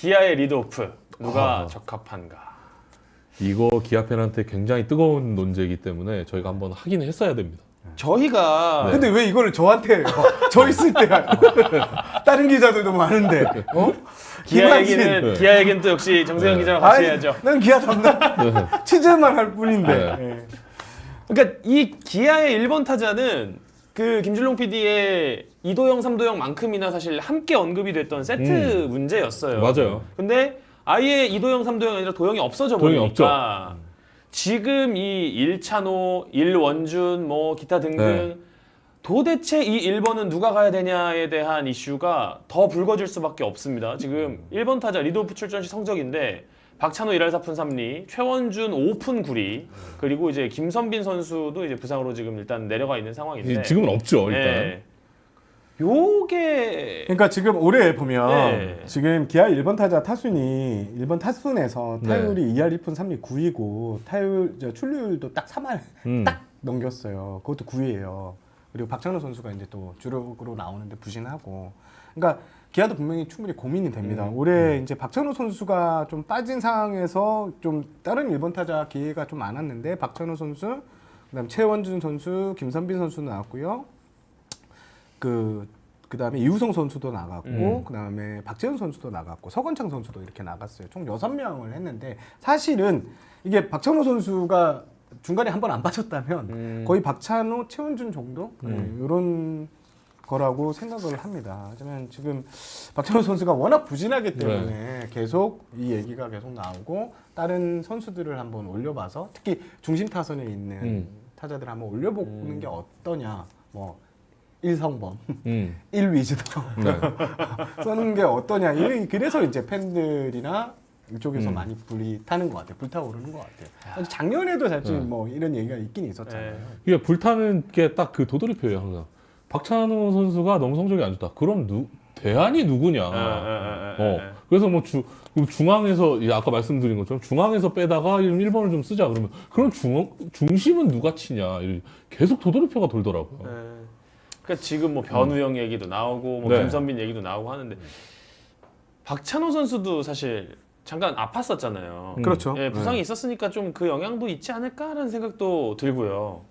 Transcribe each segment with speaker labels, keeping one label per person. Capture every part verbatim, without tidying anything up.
Speaker 1: 기아의 리드오프 누가
Speaker 2: 아.
Speaker 1: 적합한가?
Speaker 2: 이거 기아 팬한테 굉장히 뜨거운 논제이기 때문에 저희가 한번 하긴 했어야 됩니다.
Speaker 1: 저희가
Speaker 2: 네.
Speaker 3: 근데 왜 이거를 저한테 해요? 저 있을 때 다른 기자들도 많은데 어?
Speaker 1: 기아
Speaker 3: 김한진.
Speaker 1: 얘기는
Speaker 2: 네.
Speaker 1: 기아 얘기는 또 역시 정세영
Speaker 2: 네.
Speaker 1: 기자와 같이
Speaker 3: 아니,
Speaker 1: 해야죠.
Speaker 3: 난 기아 담당 취재만 할 뿐인데.
Speaker 2: 네.
Speaker 3: 예.
Speaker 1: 그러니까 이 기아의 일 번 타자는 그 김준롱 피디의 이도영, 삼도영만큼이나 사실 함께 언급이 됐던 세트 문제였어요.
Speaker 2: 맞아요.
Speaker 1: 근데 아예 이도영, 삼도영이 아니라 도영이 없어져
Speaker 2: 도영이
Speaker 1: 버리니까 지금 이 일찬호, 일원준 뭐 기타 등등
Speaker 2: 네.
Speaker 1: 도대체 이 일 번은 누가 가야 되냐에 대한 이슈가 더 불거질 수밖에 없습니다. 지금 일 번 타자 리드오프 출전 시 성적인데 박찬호 일 할 사 푼 삼 리, 최원준 오 푼 구 리, 그리고 이제 김선빈 선수도 이제 부상으로 지금 일단 내려가 있는 상황인데
Speaker 2: 지금은 없죠 일단.
Speaker 1: 네. 요게
Speaker 3: 그러니까 지금 올해 보면
Speaker 1: 네.
Speaker 3: 지금 기아 일 번 타자 타순이 일 번 타순에서
Speaker 2: 네.
Speaker 3: 타율이 이 할 이 푼 삼 리 구 위고 타율 저 출루율도 딱 삼 할
Speaker 2: 음.
Speaker 3: 딱 넘겼어요. 그것도 구 위예요. 그리고 박찬호 선수가 이제 또 주력으로 나오는데 부진하고. 그러니까 기아도 분명히 충분히 고민이 됩니다.
Speaker 1: 음.
Speaker 3: 올해 이제 박찬호 선수가 좀 빠진 상황에서 좀 다른 일 번 타자 기회가 좀 많았는데 박찬호 선수, 그다음 최원준 선수, 김선빈 선수 나왔고요. 그 그다음에 이우성 선수도 나갔고,
Speaker 2: 음.
Speaker 3: 그다음에 박재훈 선수도 나갔고, 서건창 선수도 이렇게 나갔어요. 총 여섯 명을 했는데 사실은 이게 박찬호 선수가 중간에 한 번 안 빠졌다면
Speaker 1: 음.
Speaker 3: 거의 박찬호, 최원준 정도
Speaker 2: 음.
Speaker 3: 네, 이런 거라고 생각을 합니다. 하지만 지금 박찬호 선수가 워낙 부진하기 때문에
Speaker 2: 네.
Speaker 3: 계속 이 얘기가 계속 나오고 다른 선수들을 한번 올려봐서 특히 중심 타선에 있는
Speaker 2: 음.
Speaker 3: 타자들 한번 올려보는
Speaker 1: 음.
Speaker 3: 게 어떠냐. 뭐 일성범,
Speaker 2: 음.
Speaker 3: 일위즈도
Speaker 2: 네.
Speaker 3: 써는 게 어떠냐. 이- 그래서 이제 팬들이나 이쪽에서
Speaker 2: 음.
Speaker 3: 많이 불이 타는 것 같아요. 불타오르는 것 같아요. 작년에도 사실
Speaker 2: 네.
Speaker 3: 뭐 이런 얘기가 있긴 있었잖아요.
Speaker 1: 네.
Speaker 2: 이게 불타는 게 딱 그 도돌이표예요 항상. 박찬호 선수가 너무 성적이 안 좋다. 그럼 누 대안이 누구냐.
Speaker 1: 아, 아, 아, 아,
Speaker 2: 어.
Speaker 1: 아.
Speaker 2: 그래서 뭐 주, 중앙에서 이제 아까 말씀드린 것처럼 중앙에서 빼다가 일 번을 좀 쓰자 그러면 그럼 중 중심은 누가 치냐. 이렇게 계속 도돌이표가 돌더라고요.
Speaker 1: 네. 그러니까 지금 뭐 변우영 얘기도 나오고 뭐
Speaker 2: 네.
Speaker 1: 김선빈 얘기도 나오고 하는데 박찬호 선수도 사실 잠깐 아팠었잖아요.
Speaker 2: 음.
Speaker 3: 그렇죠.
Speaker 1: 예, 부상이
Speaker 3: 네.
Speaker 1: 있었으니까 좀 그 영향도 있지 않을까라는 생각도 들고요.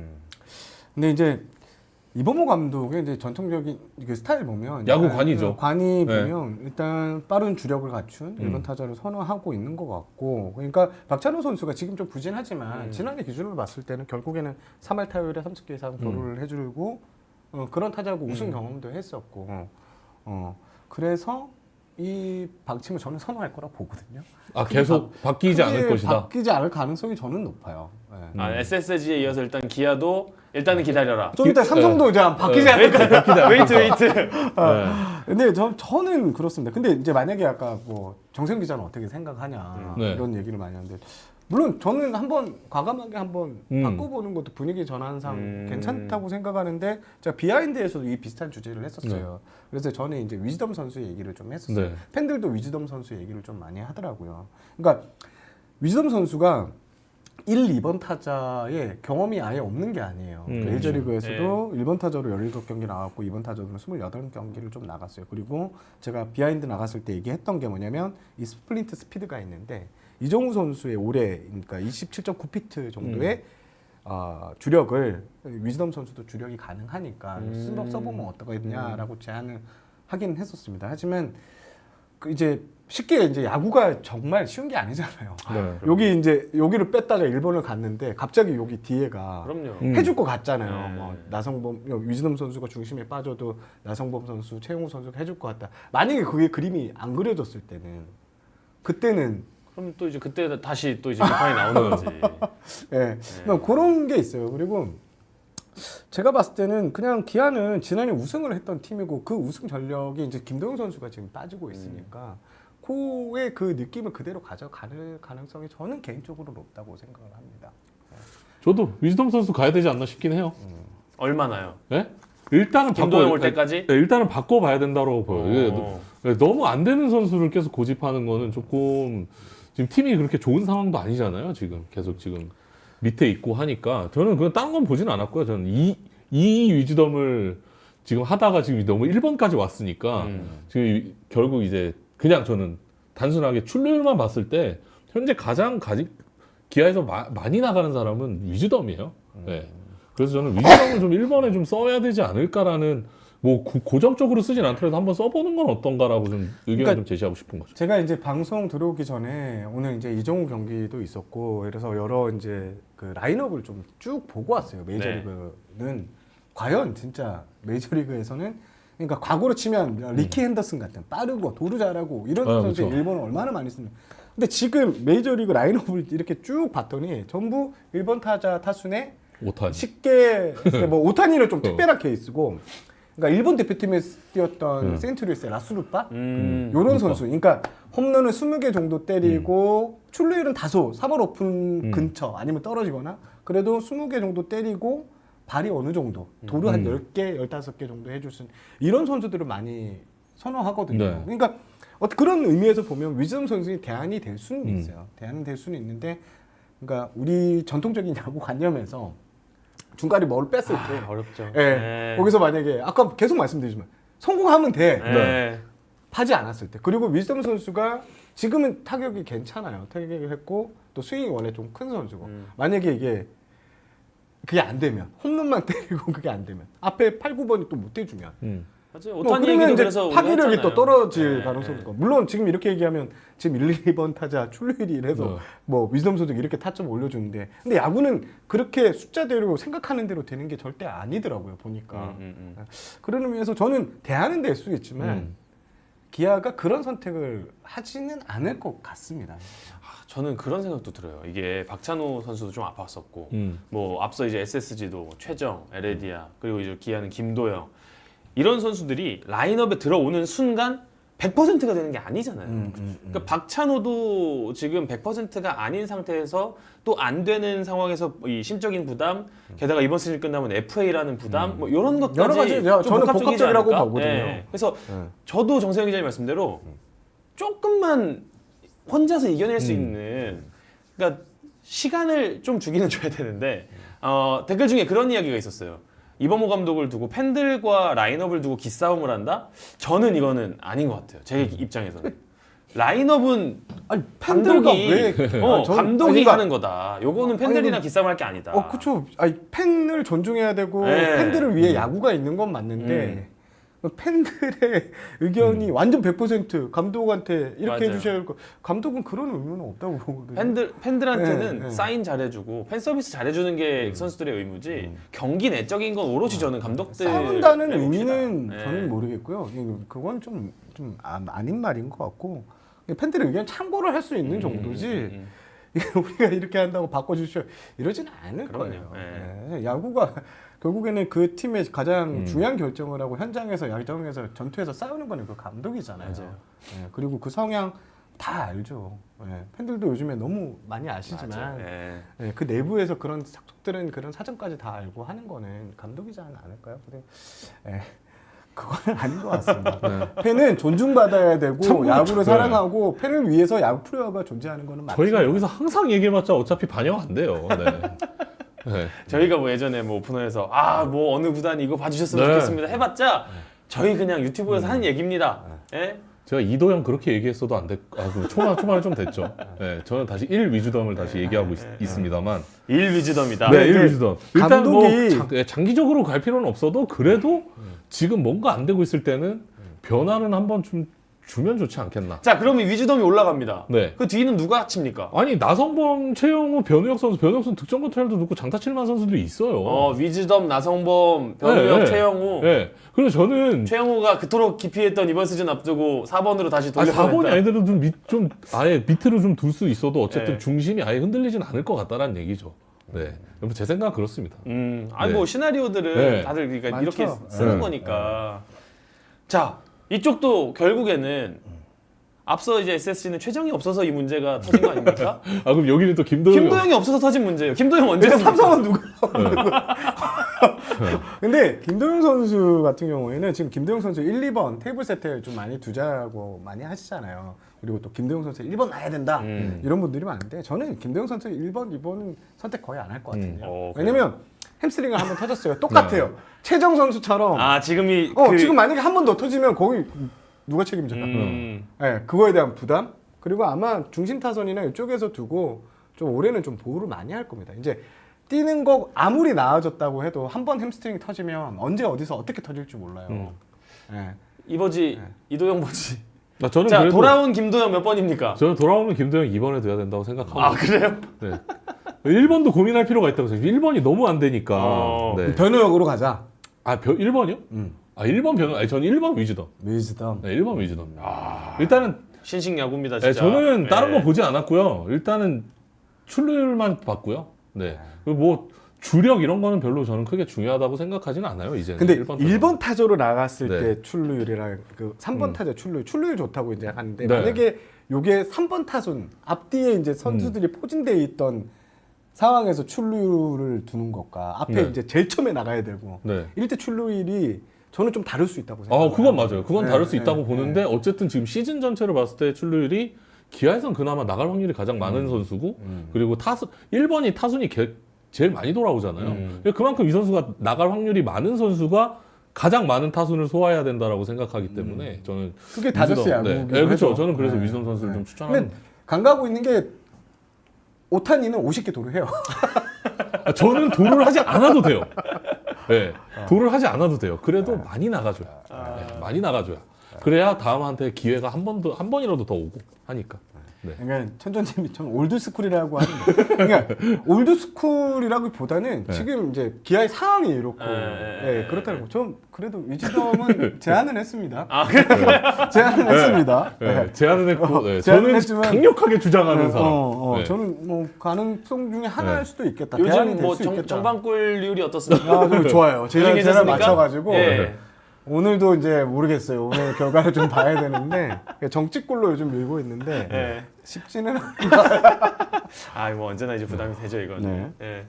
Speaker 3: 근데 이제 이범호 감독의 이제 전통적인 그 스타일 보면
Speaker 2: 야구
Speaker 3: 약간
Speaker 2: 관이죠.
Speaker 3: 관이
Speaker 2: 네.
Speaker 3: 보면 일단 빠른 주력을 갖춘
Speaker 2: 음.
Speaker 3: 일 번 타자를 선호하고 있는 것 같고, 그러니까 박찬호 선수가 지금 좀 부진하지만
Speaker 1: 음.
Speaker 3: 지난해 기준으로 봤을 때는 결국에는 삼 할 타율에 삼십 개 이상 도루를 해주고 어, 그런 타자고 우승
Speaker 1: 음.
Speaker 3: 경험도 했었고, 어, 그래서 이 방침을 저는 선호할 거라 보거든요.
Speaker 2: 아 계속 바뀌지 않을
Speaker 3: 크게
Speaker 2: 것이다.
Speaker 3: 바뀌지 않을 가능성이 저는 높아요. 네.
Speaker 1: 아, 에스에스지에 이어서 일단 기아도 일단은 기다려라.
Speaker 3: 좀 이따 삼성도 이제 안 바뀌지 않을까.
Speaker 1: 웨이트 웨이트.
Speaker 2: 네.
Speaker 3: 근데 저, 저는 그렇습니다. 근데 이제 만약에 아까 뭐 정세영 기자는 어떻게 생각하냐
Speaker 2: 네.
Speaker 3: 이런 얘기를 많이 하는데, 물론 저는 한번 과감하게 한번
Speaker 2: 음.
Speaker 3: 바꿔보는 것도 분위기 전환상
Speaker 1: 음.
Speaker 3: 괜찮다고 생각하는데, 제가 비하인드에서도 이 비슷한 주제를 했었어요. 그래서 저는 이제 위즈덤 선수 얘기를 좀 했었어요.
Speaker 2: 네.
Speaker 3: 팬들도 위즈덤 선수 얘기를 좀 많이 하더라고요. 그러니까 위즈덤 선수가 일, 이 번 타자의 경험이 아예 없는 게 아니에요.
Speaker 2: 음,
Speaker 3: 메이저리그에서도 일 번 타자로 열일곱 경기 나갔고 이 번 타자로는 스물여덟 경기를 좀 나갔어요. 그리고 제가 비하인드 나갔을 때 얘기했던 게 뭐냐면 이 스플린트 스피드가 있는데 이정우 선수의 올해 그러니까 이십칠 점 구 피트 정도의 어, 주력을 위즈덤 선수도 주력이 가능하니까
Speaker 1: 음.
Speaker 3: 써- 써보면 어떠겠냐라고 제안을 하긴 했었습니다. 하지만 그 이제 쉽게 이제 야구가 정말 쉬운 게 아니잖아요.
Speaker 2: 네.
Speaker 3: 여기 이제 여기를 뺐다가 일본을 갔는데 갑자기 여기 뒤에가
Speaker 1: 그럼요.
Speaker 2: 음.
Speaker 3: 해줄 것 같잖아요.
Speaker 1: 네.
Speaker 3: 뭐 나성범, 위즈덤 선수가 중심에 빠져도 나성범 선수, 최용우 선수가 해줄 것 같다. 만약에 그게 그림이 안 그려졌을 때는 그때는
Speaker 1: 그럼 또 이제 그때 다시 또 이제 비판이 나오는 거지.
Speaker 3: 예, 그러니까 그런 게 있어요. 그리고 제가 봤을 때는 그냥 기아는 지난해 우승을 했던 팀이고 그 우승 전력이 이제 김도영 선수가 지금 빠지고 있으니까 그의 그 느낌을 그대로 가져갈 가능성이 저는 개인적으로 높다고 생각을 합니다.
Speaker 2: 저도 위즈덤 선수 가야 되지 않나 싶긴 해요.
Speaker 1: 얼마나요?
Speaker 2: 네? 일단은
Speaker 1: 김도영
Speaker 2: 바꿔-
Speaker 1: 올 때까지?
Speaker 2: 네, 일단은 바꿔봐야 된다고 보여요. 이게
Speaker 1: 어.
Speaker 2: 네, 너무 안 되는 선수를 계속 고집하는 거는 조금 지금 팀이 그렇게 좋은 상황도 아니잖아요. 지금 계속 지금 밑에 있고 하니까 저는 그냥 다른 건 보진 않았고요. 저는 이, 이 위즈덤을 지금 하다가 지금 너무 일 번까지 왔으니까
Speaker 1: 음.
Speaker 2: 지금 이- 결국 이제 그냥 저는 단순하게 출루율만 봤을 때 현재 가장 가지, 기아에서 마, 많이 나가는 사람은 위즈덤이에요. 네. 그래서 저는 위즈덤을 좀 일 번에 좀 써야 되지 않을까라는 뭐 고, 고정적으로 쓰진 않더라도 한번 써보는 건 어떤가라고 좀 의견을
Speaker 3: 그러니까
Speaker 2: 좀 제시하고 싶은 거죠.
Speaker 3: 제가 이제 방송 들어오기 전에 오늘 이제 이정우 경기도 있었고 그래서 여러 이제 그 라인업을 좀 쭉 보고 왔어요. 메이저리그는 과연 진짜 메이저리그에서는 그러니까 과거로 치면 리키 핸더슨 같은 빠르고 도루 잘하고 이런
Speaker 2: 아,
Speaker 3: 선수의
Speaker 2: 그렇죠.
Speaker 3: 일본을 얼마나 많이 쓰는. 근데 지금 메이저리그 라인업을 이렇게 쭉 봤더니 전부 일 번 타자 타순에
Speaker 2: 오타니.
Speaker 3: 쉽게 뭐 오타니는 좀
Speaker 2: 어.
Speaker 3: 특별한 케이스고 그러니까 일본 대표팀에서 뛰었던
Speaker 2: 음.
Speaker 3: 센트루이스의 라스루파
Speaker 1: 음.
Speaker 3: 요런
Speaker 2: 그러니까.
Speaker 3: 선수. 그러니까 홈런을 스무 개 정도 때리고 출루율은 다소 삼 월 오픈
Speaker 2: 음.
Speaker 3: 근처 아니면 떨어지거나 그래도 스무 개 정도 때리고 발이 어느 정도 도루 한
Speaker 2: 음.
Speaker 3: 열 개, 열다섯 개 정도 해줄 수 있는 이런 선수들을 많이 선호하거든요.
Speaker 2: 네.
Speaker 3: 그러니까 어, 그런 의미에서 보면 위즈덤 선수의 대안이 될 수는
Speaker 2: 음.
Speaker 3: 있어요. 대안은 될 수는 있는데 그러니까 우리 전통적인 야구 관념에서 중간에 뭘 뺐을 때
Speaker 1: 아, 어렵죠.
Speaker 3: 예.
Speaker 1: 네.
Speaker 3: 거기서 만약에 아까 계속 말씀드리지만 성공하면 돼.
Speaker 1: 네.
Speaker 3: 파지 않았을 때. 그리고 위즈덤 선수가 지금은 타격이 괜찮아요. 타격이 했고 또 스윙이 원래 좀 큰 선수고.
Speaker 1: 음.
Speaker 3: 만약에 이게 그게 안 되면 홈런만 때리고 그게 안 되면 앞에 팔, 구 번이 또 못 해주면
Speaker 2: 음.
Speaker 1: 맞아요.
Speaker 3: 뭐
Speaker 1: 오타니
Speaker 3: 그러면
Speaker 1: 얘기도
Speaker 3: 이제
Speaker 1: 그래서 우리가
Speaker 3: 파괴력이
Speaker 1: 했잖아요.
Speaker 3: 또 떨어질
Speaker 1: 네.
Speaker 3: 가능성이 있고 물론 지금 이렇게 얘기하면 지금 일, 이 번 타자 출루율이 이래서
Speaker 2: 네.
Speaker 3: 뭐 위즈덤 선수가 이렇게 타점 올려주는데 근데 야구는 그렇게 숫자대로 생각하는 대로 되는 게 절대 아니더라고요 보니까
Speaker 1: 음, 음, 음.
Speaker 3: 그런 의미에서 저는 대안은 될 수 있지만
Speaker 2: 음.
Speaker 3: 기아가 그런 선택을 하지는 않을 것 같습니다.
Speaker 1: 아, 저는 그런 생각도 들어요. 이게 박찬호 선수도 좀 아팠었고,
Speaker 2: 음.
Speaker 1: 뭐 앞서 이제 에스에스지도 최정, 에레디아 그리고 이제 기아는 김도영 이런 선수들이 라인업에 들어오는 순간 백 퍼센트가 되는 게 아니잖아요.
Speaker 3: 음, 음, 음.
Speaker 1: 그러니까 박찬호도 지금 백 퍼센트가 아닌 상태에서 또 안 되는 상황에서 이 심적인 부담, 게다가 이번 시즌 끝나면 에프에이라는 부담, 뭐 이런 것까지
Speaker 3: 여러 가지
Speaker 1: 좀
Speaker 3: 저는
Speaker 1: 복합적이지
Speaker 3: 복합적이라고
Speaker 1: 않을까?
Speaker 3: 보거든요.
Speaker 1: 예. 그래서
Speaker 3: 네.
Speaker 1: 저도 정세영 기자님 말씀대로 조금만 혼자서 이겨낼 수
Speaker 2: 음.
Speaker 1: 있는 그러니까 시간을 좀 주기는 줘야 되는데 어, 댓글 중에 그런 이야기가 있었어요. 이범호 감독을 두고 팬들과 라인업을 두고 기싸움을 한다? 저는 이거는 아닌 것 같아요. 제 입장에서는. 라인업은
Speaker 3: 아니 팬들과
Speaker 1: 감독이
Speaker 3: 왜
Speaker 1: 어,
Speaker 3: 아니, 전-
Speaker 1: 감독이
Speaker 3: 아니, 그러니까-
Speaker 1: 하는 거다. 요거는 팬들이랑
Speaker 3: 아니,
Speaker 1: 기싸움할 게 아니다.
Speaker 3: 어, 그쵸. 아니, 팬을 존중해야 되고,
Speaker 1: 네.
Speaker 3: 팬들을 위해 야구가 있는 건 맞는데, 팬들의 의견이 완전 백 퍼센트 감독한테 이렇게
Speaker 1: 맞아요.
Speaker 3: 해주셔야 할 거. 감독은 그런 의무는 없다고 보거든요.
Speaker 1: 팬들 팬들한테는
Speaker 3: 네, 네.
Speaker 1: 사인 잘해주고 팬 서비스 잘해주는 게 선수들의 의무지 경기 내적인 건 오롯이 저는 감독들
Speaker 3: 싸운다는 의미는 저는 모르겠고요. 이거- 그건 좀, 좀 아, 아닌 말인 것 같고, 팬들의 의견 참고를 할 수 있는 정도지,
Speaker 1: 음.
Speaker 3: 이게 우리가 이렇게 한다고 바꿔주셔 이러지는 않을
Speaker 1: 그럼요.
Speaker 3: 거예요.
Speaker 1: 네.
Speaker 3: 네, 야구가 결국에는 그 팀의 가장
Speaker 2: 음.
Speaker 3: 중요한 결정을 하고 현장에서 야구장에서 전투에서 싸우는 거는 그 감독이잖아요.
Speaker 1: 맞아요.
Speaker 3: 네, 그리고 그 성향 다 알죠. 네, 팬들도 요즘에 너무 많이 아시지만
Speaker 1: 맞아요. 예.
Speaker 3: 네, 그 내부에서 그런 sak들은 그런 사정까지 다 알고 하는 거는 감독이지 않을까요? 근데 네, 그건 아닌 것 같습니다.
Speaker 2: 네.
Speaker 3: 팬은 존중받아야 되고
Speaker 2: 참고로
Speaker 3: 야구를
Speaker 2: 네.
Speaker 3: 사랑하고 팬을 위해서 야구 프로야구가 존재하는 거는 맞습니다.
Speaker 2: 저희가 여기서 항상 얘기해봤자 어차피 반영 안 돼요. 네. 네.
Speaker 1: 저희가 뭐 예전에 뭐 오프너에서 아 뭐 어느 구단이 이거 봐주셨으면
Speaker 2: 네.
Speaker 1: 좋겠습니다 해봤자 저희 그냥 유튜브에서 하는 얘기입니다. 예?
Speaker 2: 제가 이도영 그렇게 얘기했어도 안 됐, 아, 그 초반, 초반에 좀 됐죠. 네, 저는 다시 일 위주덤을 다시 얘기하고 있, 습니다만
Speaker 1: 일 위즈덤이다.
Speaker 2: 네,
Speaker 3: 네,
Speaker 2: 일
Speaker 3: 이제
Speaker 2: 위주덤. 일단 뭐
Speaker 3: 감독이-
Speaker 2: 장, 예, 장기적으로 갈 필요는 없어도 그래도 지금 뭔가 안 되고 있을 때는 변화는 한번 좀 주면 좋지 않겠나.
Speaker 1: 자 그러면 위즈덤이 올라갑니다.
Speaker 2: 네.
Speaker 1: 그 뒤는 누가 칩니까?
Speaker 2: 아니 나성범, 최영우, 변우혁 선수, 변우혁 선수 득점 컨트롤도 넣고 장타 칠만 선수들이 있어요.
Speaker 1: 어 위즈덤, 나성범, 변우혁,
Speaker 2: 네, 네.
Speaker 1: 최영우.
Speaker 2: 네. 그래서 저는
Speaker 1: 최영우가 그토록 기피했던 이번 시즌 앞두고 사 번으로 다시
Speaker 2: 아, 사 번이
Speaker 1: 돌려보냈다.
Speaker 2: 아니더라도 좀, 밑, 좀 아예 밑으로 좀 둘 수 있어도 어쨌든
Speaker 1: 네.
Speaker 2: 중심이 아예 흔들리진 않을 것 같다라는 얘기죠. 네, 여러분 제 생각은 그렇습니다.
Speaker 1: 음, 아니
Speaker 2: 네.
Speaker 1: 뭐 시나리오들은
Speaker 2: 네.
Speaker 1: 다들 그러니까
Speaker 3: 많죠.
Speaker 1: 이렇게 쓰는
Speaker 2: 네.
Speaker 1: 거니까. 자 이쪽도 결국에는 앞서 이제 에스에스지는 최정이 없어서 이 문제가 터진 거 아닙니까?
Speaker 2: 아 그럼 여기는 또 김도영.
Speaker 1: 김도영이 없어서 터진 문제예요. 김도영 언제
Speaker 3: 일단
Speaker 1: 합니까?
Speaker 3: 삼성은 누가? 근데 김도영 선수 같은 경우에는 지금 김도영 선수 일, 이 번 테이블 세트에 좀 많이 두자고 많이 하시잖아요. 그리고 또 김도영 선수 일 번 나야 된다.
Speaker 1: 음.
Speaker 3: 이런 분들이 많은데 저는 김도영 선수 일 번, 이 번은 선택 거의 안 할 것 같은데요.
Speaker 1: 음. 어, 그래요?
Speaker 3: 왜냐면 햄스트링을 한번 터졌어요. 똑같아요. 최정 선수처럼
Speaker 1: 아 지금이
Speaker 3: 어,
Speaker 1: 그,
Speaker 3: 지금 만약에 한 번 더 터지면 거기 누가 책임져요?
Speaker 1: 음,
Speaker 3: 네, 그거에 대한 부담 그리고 아마 중심 타선이나 이쪽에서 두고 좀 올해는 좀 보호를 많이 할 겁니다. 이제 뛰는 거 아무리 나아졌다고 해도 한 번 햄스트링 터지면 언제 어디서 어떻게 터질지 몰라요.
Speaker 2: 음.
Speaker 3: 예.
Speaker 1: 이버지
Speaker 3: 네.
Speaker 1: 이도영 버지.
Speaker 2: 아, 저는
Speaker 1: 자
Speaker 2: 그래도
Speaker 1: 돌아온 김도영 몇 번입니까?
Speaker 2: 저는 돌아오면 김도영 이 번에 둬야 된다고 생각하고.
Speaker 1: 아 그래요?
Speaker 2: 네. 일 번도 고민할 필요가 있다고 생각해요. 일 번이 너무 안 되니까.
Speaker 1: 어.
Speaker 2: 네.
Speaker 3: 변호역으로 가자.
Speaker 2: 아, 벼, 일 번이요?
Speaker 3: 음.
Speaker 2: 아, 일 번 변호. 아니, 저는 일 번 위즈덤.
Speaker 3: 위즈덤.
Speaker 2: 네, 일 번 위즈덤. 아. 일단은
Speaker 1: 신식 야구입니다
Speaker 2: 네,
Speaker 1: 진짜.
Speaker 2: 저는 다른
Speaker 1: 네.
Speaker 2: 거 보지 않았고요. 일단은 출루율만 봤고요. 네. 그리고 뭐 주력 이런 거는 별로 저는 크게 중요하다고 생각하지는 않아요. 이제는.
Speaker 3: 근데
Speaker 2: 일 번
Speaker 3: 일 번 타자로 나갔을
Speaker 2: 네.
Speaker 3: 때 출루율이랑 그 삼 번
Speaker 2: 음.
Speaker 3: 타자 출루율, 출루율 좋다고 이제 하는데
Speaker 2: 네.
Speaker 3: 만약에 요게 삼 번 타순 앞뒤에 이제 선수들이
Speaker 2: 음.
Speaker 3: 포진되어 있던 상황에서 출루율을 두는 것과 앞에
Speaker 2: 네.
Speaker 3: 이제 제일 처음에 나가야 되고
Speaker 2: 네.
Speaker 3: 이럴 때 출루율이 저는 좀 다를 수 있다고
Speaker 2: 아,
Speaker 3: 생각해요.
Speaker 2: 그건 맞아요. 그건
Speaker 3: 네,
Speaker 2: 다를 수
Speaker 3: 네,
Speaker 2: 있다고
Speaker 3: 네.
Speaker 2: 보는데 어쨌든 지금 시즌 전체로 봤을 때 출루율이 기아에선 그나마 나갈 확률이 가장 많은 선수고
Speaker 3: 음.
Speaker 2: 그리고 타수 일 번이 타순이 개- 제일 많이 돌아오잖아요.
Speaker 1: 음.
Speaker 2: 그러니까 그만큼 이 선수가 나갈 확률이 많은 선수가 가장 많은 타순을 소화해야 된다라고 생각하기 때문에 저는
Speaker 3: 그게 다저스
Speaker 2: 위즈덤, 네.
Speaker 3: 야구기도
Speaker 2: 네, 그렇죠.
Speaker 3: 해서.
Speaker 2: 저는 그래서
Speaker 3: 네.
Speaker 2: 위즈덤 선수를
Speaker 3: 네.
Speaker 2: 좀 추천하는.
Speaker 3: 근데 강가고 있는 게 오타니는 오십 개 도를 해요.
Speaker 2: 아, 저는 도를 하지 않아도 돼요. 네, 도를 하지 않아도 돼요. 그래도 많이 나가줘요. 네, 많이 나가줘요. 그래야 다음한테 기회가 한 번도 한 번이라도 더 오고 하니까. 네.
Speaker 3: 그러니까 천전님이 좀 올드스쿨이라고 하는데 그러니까 올드스쿨이라기보다는
Speaker 2: 네.
Speaker 3: 지금 이제 기아의 상황이 이렇고
Speaker 1: 네, 네,
Speaker 3: 예,
Speaker 1: 네,
Speaker 3: 그렇다고 좀 그래도 위즈덤은 제안은 했습니다.
Speaker 1: 아 그래?
Speaker 3: 제안은 했습니다.
Speaker 2: 네,
Speaker 3: 네.
Speaker 2: 제안은 했고
Speaker 3: 어,
Speaker 2: 네,
Speaker 3: 제안은
Speaker 2: 저는
Speaker 3: 했지만-
Speaker 2: 강력하게 주장하는 사람.
Speaker 3: 어, 어,
Speaker 2: 네.
Speaker 3: 저는 뭐 가능성 중에 하나일
Speaker 2: 네.
Speaker 3: 수도 있겠다. 대안이
Speaker 1: 요즘
Speaker 3: 될
Speaker 1: 뭐
Speaker 3: 수
Speaker 1: 정,
Speaker 3: 있겠다.
Speaker 1: 정방꿀률이 어떻습니까?
Speaker 3: 아, 저 좋아요. 제가
Speaker 1: 요즘
Speaker 3: 제가
Speaker 1: 괜찮습니까?
Speaker 3: 맞춰가지고
Speaker 1: 예.
Speaker 3: 오늘도 이제 모르겠어요. 오늘 결과를 좀 봐야 되는데 정치골로 요즘 밀고 있는데
Speaker 1: 예.
Speaker 3: 쉽지는 않-
Speaker 1: 아뭐 언제나 이제 부담이 되죠 이건.
Speaker 3: 네.
Speaker 1: 예.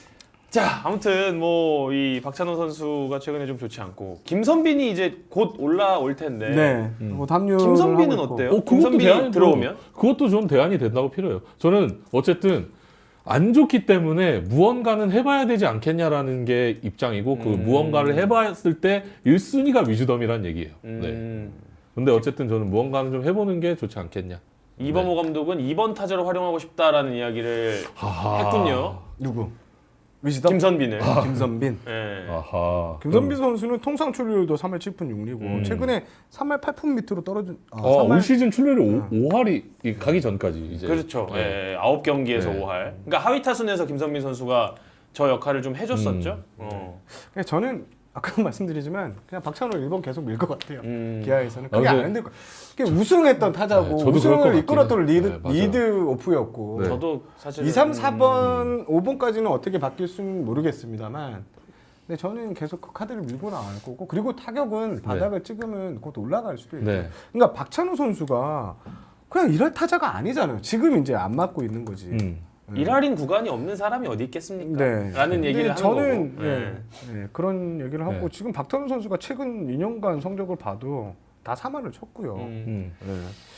Speaker 1: 자 아무튼 뭐 이 박찬호 선수가 최근에 좀 좋지 않고 김선빈이 이제 곧 올라올 텐데.
Speaker 3: 네.
Speaker 2: 음.
Speaker 3: 뭐 담요
Speaker 1: 김선빈은 어때요?
Speaker 2: 어, 그것도
Speaker 1: 김선빈이
Speaker 2: 대안이
Speaker 1: 들어오면?
Speaker 2: 그것도 좀 대안이 된다고 필요해요. 저는 어쨌든 안 좋기 때문에 무언가는 해봐야 되지 않겠냐라는 게 입장이고 그
Speaker 1: 음.
Speaker 2: 무언가를 해봤을 때 일 순위가 위즈덤이란 얘기예요. 네.
Speaker 1: 음.
Speaker 2: 근데 어쨌든 저는 무언가는 좀 해보는 게 좋지 않겠냐.
Speaker 1: 이범호 감독은 이 번 타자로 활용하고 싶다라는 이야기를
Speaker 2: 하하.
Speaker 1: 했군요.
Speaker 3: 누구? 위즈덤?
Speaker 1: 김선빈을.
Speaker 3: 김선빈.
Speaker 1: 예.
Speaker 2: 아하.
Speaker 3: 김선빈 선수는 통상 출루율도 삼 할 칠 분 육 리고
Speaker 2: 음.
Speaker 3: 최근에 삼 할 팔 푼 밑으로 떨어진 아,
Speaker 2: 어,
Speaker 3: 삼 할
Speaker 2: 올 시즌 출루율이 오 할이 가기 전까지 이제.
Speaker 1: 그렇죠.
Speaker 2: 네.
Speaker 1: 예, 아홉 경기에서
Speaker 2: 네.
Speaker 1: 오 할. 그러니까 하위 타순에서 김선빈 선수가 저 역할을 좀 해줬었죠.
Speaker 2: 음.
Speaker 1: 어.
Speaker 3: 그냥 저는 아까 말씀드리지만 그냥 박찬호 일 번 계속 밀 것 같아요.
Speaker 1: 음.
Speaker 3: 기아에서는
Speaker 2: 아,
Speaker 3: 그게
Speaker 2: 근데-
Speaker 3: 안 힘들 거. 그게 우승했던 타자고
Speaker 2: 네, 저도 그럴 것
Speaker 3: 우승을
Speaker 2: 같긴
Speaker 3: 이끌었던
Speaker 2: 해요.
Speaker 3: 리드
Speaker 2: 네, 맞아요.
Speaker 3: 리드 오프였고
Speaker 2: 네.
Speaker 1: 저도 사실
Speaker 3: 이, 삼, 사 번, 오 번까지는 어떻게 바뀔 수는 모르겠습니다만 근데 저는 계속 그 카드를 밀고 나갈 거고 그리고 타격은 바닥을 찍으면 곧 올라갈 수도 있고
Speaker 2: 네.
Speaker 3: 그러니까 박찬호 선수가 그냥 이럴 타자가 아니잖아요. 지금 이제 안 맞고 있는 거지.
Speaker 2: 음.
Speaker 1: 일할인 구간이 없는 사람이 어디 있겠습니까?
Speaker 3: 네.
Speaker 1: 라는 얘기를 하는
Speaker 3: 근데 저는
Speaker 1: 거고.
Speaker 3: 예,
Speaker 1: 네.
Speaker 3: 예, 그런 얘기를 하고
Speaker 2: 네.
Speaker 3: 지금 박찬호 선수가 최근 이 년간 성적을 봐도 다 삼 할을 쳤고요.
Speaker 1: 음.
Speaker 2: 음.
Speaker 3: 네.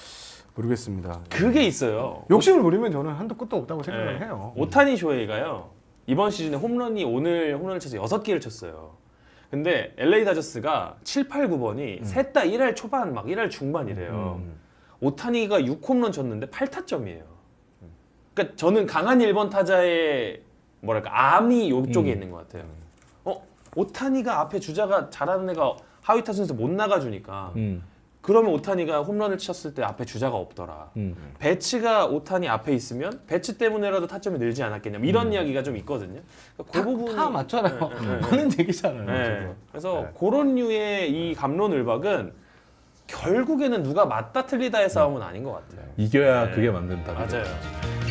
Speaker 3: 모르겠습니다.
Speaker 1: 그게 있어요.
Speaker 3: 욕심을 부리면 저는 한도 끝도 없다고 생각을
Speaker 1: 네.
Speaker 3: 해요.
Speaker 1: 오타니 쇼헤이가요. 이번 시즌에 홈런이 오늘 홈런을 쳐서 여섯 개를 쳤어요. 근데 엘에이 다저스가 칠, 팔, 구 번이 셋 다 일 할 초반 막 일 할 중반이래요.
Speaker 3: 음.
Speaker 1: 오타니가 육 홈런 쳤는데 팔 타점이에요. 그러니까 저는 강한 일 번 타자의 뭐랄까 암이 이쪽에
Speaker 2: 음.
Speaker 1: 있는 것 같아요. 어 오타니가 앞에 주자가 잘하는 애가 하위 타순에서 못 나가주니까
Speaker 2: 음.
Speaker 1: 그러면 오타니가 홈런을 쳤을 때 앞에 주자가 없더라.
Speaker 2: 음.
Speaker 1: 배치가 오타니 앞에 있으면 배치 때문에라도 타점이 늘지 않았겠냐 뭐 이런 이야기가 좀 있거든요. 그러니까 그
Speaker 3: 다,
Speaker 1: 부분이
Speaker 3: 다 맞잖아요.
Speaker 1: 네, 네, 네.
Speaker 3: 하는 얘기잖아요.
Speaker 1: 네.
Speaker 3: 지금.
Speaker 1: 그래서
Speaker 3: 네.
Speaker 1: 그런 류의 이 감론을박은 결국에는 누가 맞다 틀리다의 싸움은 아닌 것 같아요.
Speaker 2: 이겨야
Speaker 1: 네.
Speaker 2: 그게 만든다.
Speaker 1: 맞아요.